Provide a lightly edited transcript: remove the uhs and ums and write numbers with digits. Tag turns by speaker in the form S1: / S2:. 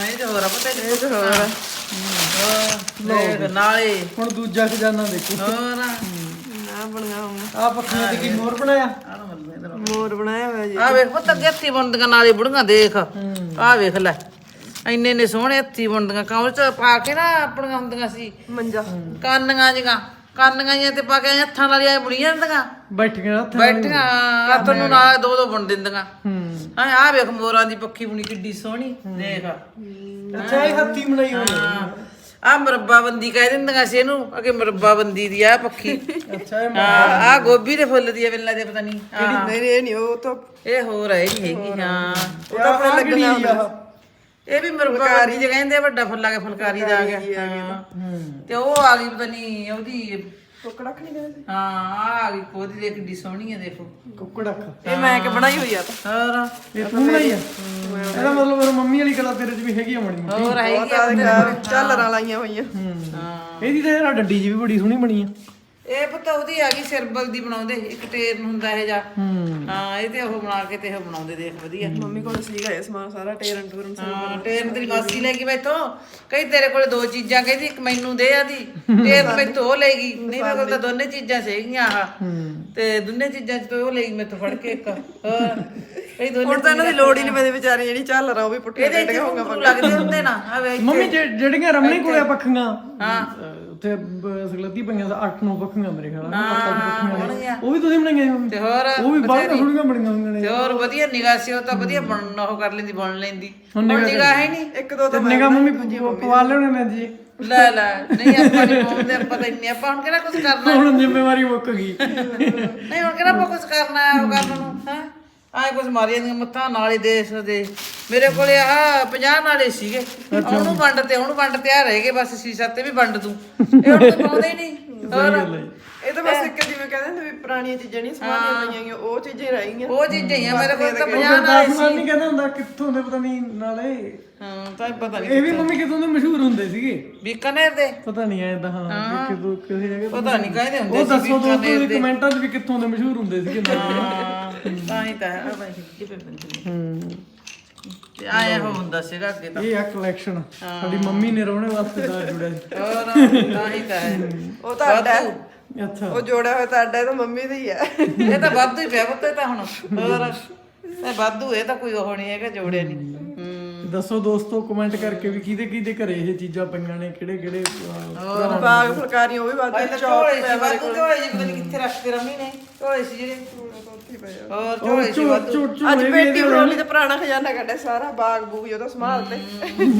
S1: ਇਹ ਤੇ ਹੋਰ ਆ ਪਤਾ ਇਹ ਤੇ ਹੋਰ ਦੇਖ ਨਾਲੇ
S2: ਹੁਣ ਦੂਜਾ ਖਜ਼ਾਨਾ ਦੇਖੋ
S1: ਹੋਰ
S3: ਨਾ ਬਣਾਇਆ ਹੁਣ
S2: ਆ ਪੱਖੀਆਂ ਤੇ ਕੀ ਮੋਰ ਬਣਾਇਆ
S3: ਮੋਰ ਬਣਾਇਆ ਹੋਇਆ ਜੀ।
S1: ਆ ਵੇਖ ਪੁੱਤ ਅੱਗੇ ਹੱਥੀ ਬੁਣਦੀਆਂ ਨਾਲੇ ਬੁੜੀਆਂ ਦੇਖ ਆ ਵੇਖ ਲੈ ਇੰਨੇ ਨੇ ਸੋਹਣੇ ਹੱਥੀ ਬੁਣਦੀਆਂ ਕਮਰ ਚ ਪਾ ਕੇ ਨਾ ਆਪਣੀਆਂ ਹੁੰਦੀਆਂ ਸੀ
S3: ਮੰਜਾ
S1: ਕਾਨੀਆਂ ਜਿਹੀਆਂ ਤੇ ਪਾ ਕੇ ਹੱਥਾਂ ਨਾਲ ਆਏ ਬੁਣੀਆਂ ਹੁੰਦੀਆਂ
S2: ਬੈਠੀਆਂ ਹੱਥ
S1: ਬੈਠੀਆਂ ਹੱਥ ਨੂੰ ਨਾਲ ਦੋ ਬੁਣ ਦਿੰਦੀਆਂ
S2: ਹੂੰ
S1: ਹਾਂ ਆ ਵੇਖ ਮੋਰਾਂ ਦੀ ਪੱਖੀ ਬੁਣੀ ਕਿੱਡੀ ਸੋਹਣੀ ਦੇਖ
S2: ਅੱਛਾ ਇਹ ਹੱਥੀ ਬਣਾਈ ਹੋਈ ਹੈ
S1: ਆ ਮੁਰੱਬਾਬੰਦੀ ਕਹਿ ਦਿੰਦੀਆਂ ਸੀ ਇਹਨੂੰ ਅਗੇ ਮੁਰੱਬਾਬੰਦੀ ਦੀ ਆ ਪੱਖੀ
S2: ਅੱਛਾ ਇਹ
S1: ਆ ਗੋਭੀ ਦੇ ਫੁੱਲ ਦੀ ਆ ਵੇਲਾ ਦੇ ਪਤਾ ਨਹੀਂ
S3: ਨਹੀਂ ਇਹ ਨਹੀਂ ਉਹ ਤਾਂ
S1: ਇਹ ਹੋਰ ਹੈ ਨਹੀਂ ਹੈਗੀ ਹਾਂ
S3: ਉਹ ਤਾਂ ਆਪਣੇ ਲੱਗਣਾ ਹੁੰਦਾ
S1: ਇਹ ਵੀ ਮੁਰੱਬਾਬੰਦੀ ਜੇ ਕਹਿੰਦੇ ਆ, ਵੱਡਾ ਫੁੱਲ ਆ ਗਿਆ ਫੁਲਕਾਰੀ ਦਾ ਆ ਗਿਆ ਹਾਂ। ਤੇ ਉਹ ਆ ਗਈ ਪਤਾ ਨਹੀਂ ਉਹਦੀ
S3: ਟੋਕੜਾ ਨਹੀਂ ਕਹਿੰਦੇ
S1: ਹਾਂ ਆ ਗਈ ਉਹਦੀ ਦੇਖ ਕਿੱਡੀ ਸੋਹਣੀ ਆ ਦੇਖੋ
S2: ਕੁੱਕੜ ਅੱਖ
S3: ਇਹ ਮੈਂ ਕਿ ਬਣਾਈ ਹੋਈ ਆ ਤਾਂ
S1: ਹੋਰ
S2: ਇਹ ਤੂੰ ਬਣਾਈ ਆ ਇਹਦਾ ਮਤਲਬ ਮੇਰੀ ਮੰਮੀ ਵਾਲੀ ਕਲਾ ਤੇਰੇ 'ਚ ਵੀ ਹੈਗੀ ਆ ਮਣੀ
S1: ਹੋਰ ਹੈਗੀ ਆ
S3: ਝਾਲਰਾਂ ਲਾਈਆਂ ਹੋਈਆਂ
S2: ਇਹਦੀ ਤਾਂ ਯਾਰ ਡੱਡੀ ਜੀ ਵੀ ਬੜੀ ਸੋਹਣੀ ਬਣੀ ਆ
S1: ਇਹ ਪਤਾ ਉਹਦੀ ਆ ਗਈ ਸਿਰਬਲ ਦੀ ਬਣਾਉਂਦੇ ਇੱਕ ਟੇਰਨ ਹੁੰਦਾ ਇਹ ਜਾ ਹਾਂ ਇਹ ਤੇ ਉਹ ਬਣਾ ਕੇ ਤੇ ਉਹ ਬਣਾਉਂਦੇ ਦੇਖ ਵਧੀਆ
S3: ਮੰਮੀ ਕੋਲ ਸੀਗਾ ਇਹ ਸਮਾਨ ਸਾਰਾ ਟੇਰਨ ਟੂਰਨ
S1: ਹਾਂ ਟੇਰਨ ਤੇਰੀ ਮਾਸੀ ਲੈ ਗਈ ਮੈਥੋਂ ਕਈ ਤੇਰੇ ਕੋਲੇ ਦੋ ਚੀਜ਼ਾਂ ਕਹਿੰਦੀ ਇੱਕ ਮੈਨੂੰ ਦੇ ਆਦੀ ਟੇਰਨ ਮੈਥੋਂ ਉਹ ਲੈ ਗਈ ਨਹੀਂ ਮੇਰੇ ਕੋਲ ਤਾਂ ਦੋਨੇ ਚੀਜ਼ਾਂ ਸੀਗੀਆਂ ਆਹ ਤੇ ਦੋਨੇ ਚੀਜ਼ਾਂ ਚ ਤੋਂ ਉਹ ਲੈ ਗਈ ਮੈਥੋਂ ਫੜ ਕੇ ਇੱਕ ਹੋਰ ਕਈ ਦੋਨੇ
S3: ਹੁਣ ਤਾਂ ਇਹਨਾਂ ਦੀ ਲੋੜ ਹੀ ਨਹੀਂ ਪੈਂਦੀ ਵਿਚਾਰੀ ਜਿਹੜੀ ਝਾਲਰਾਂ ਉਹ ਵੀ ਪੁੱਠੇ
S1: ਇਹਦੇ ਇੱਥੇ ਘੁੰਗਰੂ ਲੱਗਦੇ ਹੁੰਦੇ ਨਾ ਆ ਵੇ
S2: ਮੰਮੀ ਜਿਹੜੀਆਂ ਰਮਣੀ ਕੋਲੇ ਪੱਖੀਆਂ
S1: ਹਾਂ
S2: ਉੱਥੇ ਸਗਲਤੀ ਪਈਆਂ ਤਾਂ 8-9 ਪੱਖੀਆਂ ਮੇਰੇ ਖਿਆਲ ਨਾਲ
S1: ਹੋਣਗੀਆਂ
S2: ਉਹ ਵੀ ਤੁਸੀਂ ਬਣਾਈਆਂ ਸੀ ਮੰਮੀ
S1: ਤੇ ਹੋਰ
S2: ਉਹ ਵੀ ਬਾਹਰ ਸੋਹਣੀਆਂ ਬਣੀਆਂ ਹੋਈਆਂ ਨੇ
S1: ਤੇ ਹੋਰ ਵਧੀਆ ਨਿਗਾਹ ਸੀ ਉਹ ਤਾਂ ਵਧੀਆ ਬਣ ਉਹ ਕਰ ਲੈਂਦੀ ਬਣ ਲੈਂਦੀ ਹੁਣ ਨਿਗਾਹ ਹੈ ਨਹੀਂ
S3: ਇੱਕ ਦੋ ਤਾਂ
S2: ਨਿਗਾ ਮੰਮੀ ਪਵਾ ਲੈਣੇ ਨੇ ਜੀ
S1: ਲੈ ਨਹੀਂ ਆਪਾਂ ਨਹੀਂ ਪਾਉਂਦੇ ਆਪਾਂ ਤਾਂ ਇੰਨੇ ਆਪਾਂ ਹੁਣ ਕਿਹੜਾ ਕੁਝ ਕਰਨਾ
S2: ਹੁਣ ਜ਼ਿੰਮੇਵਾਰੀ ਮੁੱਕ ਗਈ
S1: ਨਹੀਂ ਹੁਣ ਕਿਹੜਾ ਆਪਾਂ ਕੁਝ ਕਰਨਾ ਹੈ ਉਹ ਕਰਨ ਨੂੰ ਹੈ ਆਏ ਕੁਝ ਮਾਰੀ ਜਾਂਦੀਆਂ ਮੱਥਾਂ ਨਾਲੇ ਦੇਸ਼ ਦੇ ਮੇਰੇ ਕੋਲੇ ਆ 50 ਨਾਲੇ ਸੀਗੇ ਉਹਨੂੰ ਵੰਡ ਤੇ ਆ ਰਹਿ ਗਏ ਬਸ ਸੀਸਾ ਤੇ ਵੀ ਵੰਡ ਦੂੰ ਇਹ ਹੁਣ ਤੂੰ ਪਾਉਂਦੇ ਹੀ ਨਹੀਂ ਹੋਰ
S3: ਇਹ ਤਾਂ ਬਸ ਇੱਕ ਜਿਵੇਂ ਕਹਿੰਦੇ ਨੇ ਵੀ ਪੁਰਾਣੀਆਂ ਚੀਜ਼ਾਂ ਨਹੀਂ ਸਮਾਨੀਆਂ ਪਈਆਂ ਗਈਆਂ ਉਹ ਚੀਜ਼ਾਂ ਹੀ ਰਹਿ ਗਈਆਂ
S1: ਉਹ ਚੀਜ਼ਾਂ ਹੀ ਆ ਮੇਰੇ ਕੋਲ ਤਾਂ 50 ਨਾਲੇ
S2: ਦਾਸਮਾਨ ਨਹੀਂ ਕਹਿੰਦਾ ਹੁੰਦਾ ਕਿੱਥੋਂ ਦੇ ਪਤਾ ਨਹੀਂ ਨਾਲੇ
S1: ਹਾਂ ਤਾਂ ਪਤਾ ਨਹੀਂ
S2: ਇਹ ਵੀ ਮੰਮੀ ਕਿੱਥੋਂ ਦੇ ਮਸ਼ਹੂਰ ਹੁੰਦੇ ਸੀਗੇ
S1: ਬੀਕਾਨੇਰ ਦੇ
S2: ਪਤਾ ਨਹੀਂ ਐ ਤਾਂ ਹਾਂ ਕਿਦੋਂ ਕਿਸੇ ਜਗ੍ਹਾ
S1: ਪਤਾ ਨਹੀਂ ਕਹਿੰਦੇ ਹੁੰਦੇ
S2: ਉਹ ਦੱਸੋ ਦੋਸਤੋ ਕਮੈਂਟਾਂ 'ਚ ਵੀ ਕਿੱਥੋਂ ਦੇ ਮਸ਼ਹੂਰ ਹੁੰਦੇ ਸੀਗੇ ਨਾਲੇ
S1: ਤਾਂ ਹੀ ਤਾਂ ਹੈ ਭਾਈ ਕਿਵੇਂ ਬੰਦੇ ਤੇ ਆਇਆ ਹੁੰਦਾ ਸੀਗਾ ਅੱਗੇ ਤਾਂ
S2: ਇਹ ਆ ਕਲੈਕਸ਼ਨ ਸਾਡੀ ਮੰਮੀ ਨੇ ਰੋਣੇ ਵਾਸਤੇ ਦਾ ਜੁੜਿਆ ਸੀ
S1: ਹੋਰ ਤਾਂ ਹੀ ਤਾਂ ਹੈ
S3: ਉਹ ਤਾਂ ਅੱਡਾ ਹੈ।
S2: ਅੱਛਾ
S3: ਉਹ ਜੋੜਿਆ ਹੋਇਆ ਤਾਂ ਅੱਡਾ ਇਹ ਤਾਂ ਮੰਮੀ ਦਾ ਹੀ ਹੈ
S1: ਇਹ ਤਾਂ ਵਾਧੂ ਹੀ ਪਿਆ ਪੁੱਤ ਇਹ ਤਾਂ ਹੁਣ ਹੋਰ ਇਹ ਵਾਧੂ ਇਹ ਤਾਂ ਕੋਈ ਉਹ ਨਹੀਂ ਹੈਗਾ ਜੋੜਿਆ ਨਹੀਂ
S2: ਦੱਸੋ ਦੋਸਤੋ ਕਮੈਂਟ ਕਰਕੇ ਵੀ ਕਿਹਦੇ ਕਿਹਦੇ ਘਰੇ ਇਹ ਚੀਜ਼ਾਂ ਪਈਆਂ ਨੇ ਕਿਹੜੇ ਕਿਹੜੇ
S3: ਬਾਗ ਫੁਲਕਾਰੀਆਂ ਉਹ ਵੀ
S1: ਭਾਈ
S3: ਬਾਅਦ
S1: ਤਾਂ ਝੋਲੇ ਸੀ ਵਾਧੂ ਝੋਲੇ ਜੀ ਪਤਾ ਨਹੀਂ ਕਿੱਥੇ ਰੱਖਦੇ ਰਮੀ ਨੇ ਝੋਲੇ ਸੀ ਜਿਹੜੇ ਹੋਰ ਝੋਲੇ ਸੀ ਵਾਧੂ
S3: ਅੱਜ ਪੇਟੀ ਬਰੋਲੀ ਦਾ ਪੁਰਾਣਾ ਖਜ਼ਾਨਾ ਕੱਢਿਆ ਸਾਰਾ ਬਾਗ ਬੂਗ ਉਹਦਾ ਸੰਭਾਲ ਤੇ